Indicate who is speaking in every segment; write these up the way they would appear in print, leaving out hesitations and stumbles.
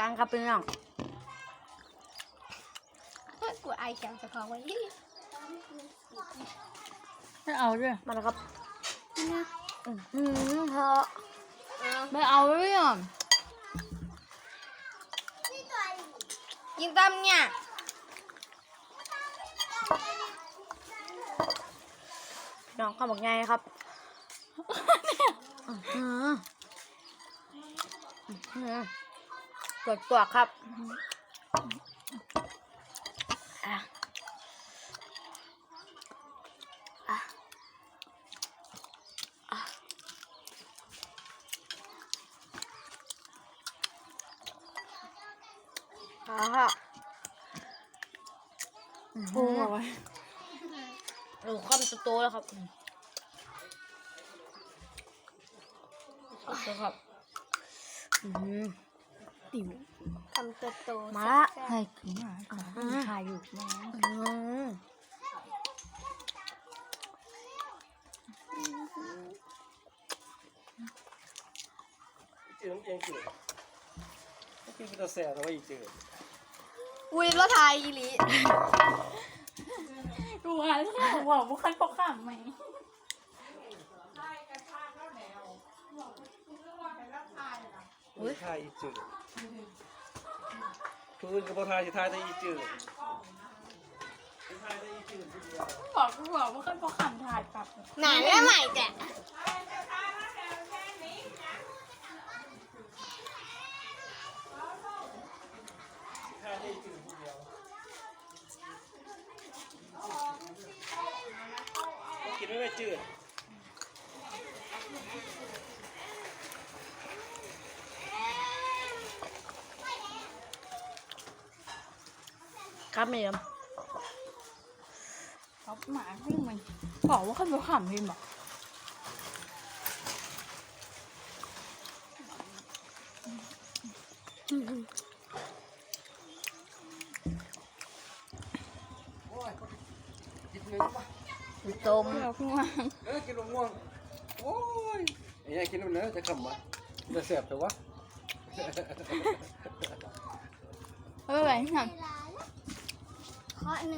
Speaker 1: กันครับพี่น้อง
Speaker 2: กูไอแข็งจะพอไว้
Speaker 3: ไม่เอาด้วย
Speaker 1: มาแล้วครับเธอ
Speaker 3: ไม่เอาด้วยอ่ะ
Speaker 2: กินตำเนี่ย
Speaker 1: น้องข้าวบอกไงครับกดตัวครับ
Speaker 3: ปูเอาไว้
Speaker 1: ข้าวมันโตแล้วครับครับ
Speaker 3: ติ๋ว
Speaker 2: ทำตัวโต
Speaker 1: มาละ
Speaker 3: ให้ขึ้นมาถ่ายอยู่นะ
Speaker 4: จืดน้ำเองจืดไม่กินเป็นตัวแสบแต่ว่าอีจืด
Speaker 2: อุ้ยแล้วทายอีหลี
Speaker 3: ดูอะไรบอกว่าคันปกข้ามไหม
Speaker 4: อุ้ยทายอีจืดคืออื่นกับพอทายสิทายแต่อีจืดทายแต่อีจืดทีเดียว
Speaker 3: บอกว่าคันปกข้ามถ่ายปรับ
Speaker 2: หนาแล้วใหม่แก
Speaker 4: ทายแต่อีจืดทีเดียวกินไม่ได้จืด
Speaker 1: ครับเมียม
Speaker 3: เขาหมาวิ่งมันบอกว่าคันปกข้ามพิมพ์บอก
Speaker 4: กินเนื้อปะ
Speaker 1: ต้ม
Speaker 3: เราเพิ่งวาง
Speaker 4: กินมะม่วงโอ้ยไอ้ยัยกินเนื้อจะขำวะจะแสบแต่ว่า
Speaker 3: อะไรทำ
Speaker 2: เคาะหนึ่ง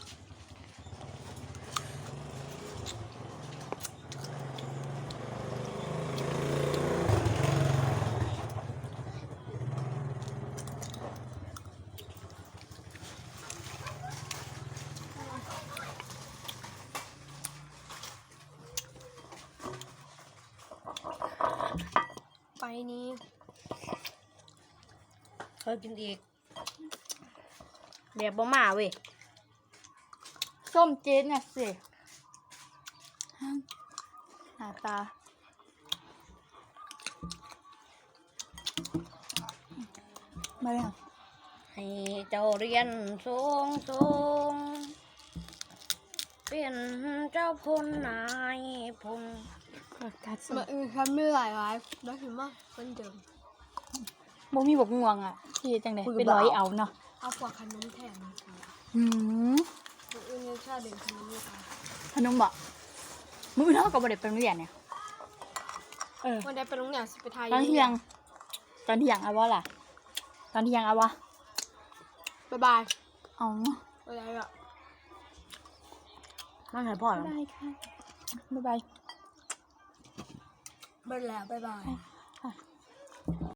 Speaker 2: ไปนี้
Speaker 1: เคยกินอีกเดี๋ยวบ่มาเว้ย
Speaker 3: ส้มเจ๊เนี่ยสิหน้าตามาเลย
Speaker 1: ให้เจ้าเรียนสูงสูงเป็นเจ้าพลนายพล
Speaker 3: กัดสิ
Speaker 2: มาทำไม่หลายร้ายแล้วถึงว่าคนเดิม
Speaker 3: บ่มีบกงวงอ่ะที่จังไดเป็นร้อยเอาเนาะ
Speaker 2: เอาพวกขนมแถมมาค่ะ
Speaker 3: หืม
Speaker 2: ตัวอื่นยังชาเด่นขนมนี่ค่ะ
Speaker 3: ขนมบ่มื้อเนาะก็บ่ได้ไปโรงเรียนเนี่ย
Speaker 2: วันใดไปโรงเรียนสิไปไทย
Speaker 3: ตอนเที่ยงเอาวะล่ะตอนเที่ยงเอาวะ
Speaker 2: บ๊ายบาย
Speaker 3: เอา
Speaker 2: บ๊ายบายอ่ะ
Speaker 1: มันให้พ่อแล้ว
Speaker 3: ได้ค่ะบ๊ายบาย
Speaker 2: บ๊ายบายบ๊ายบาย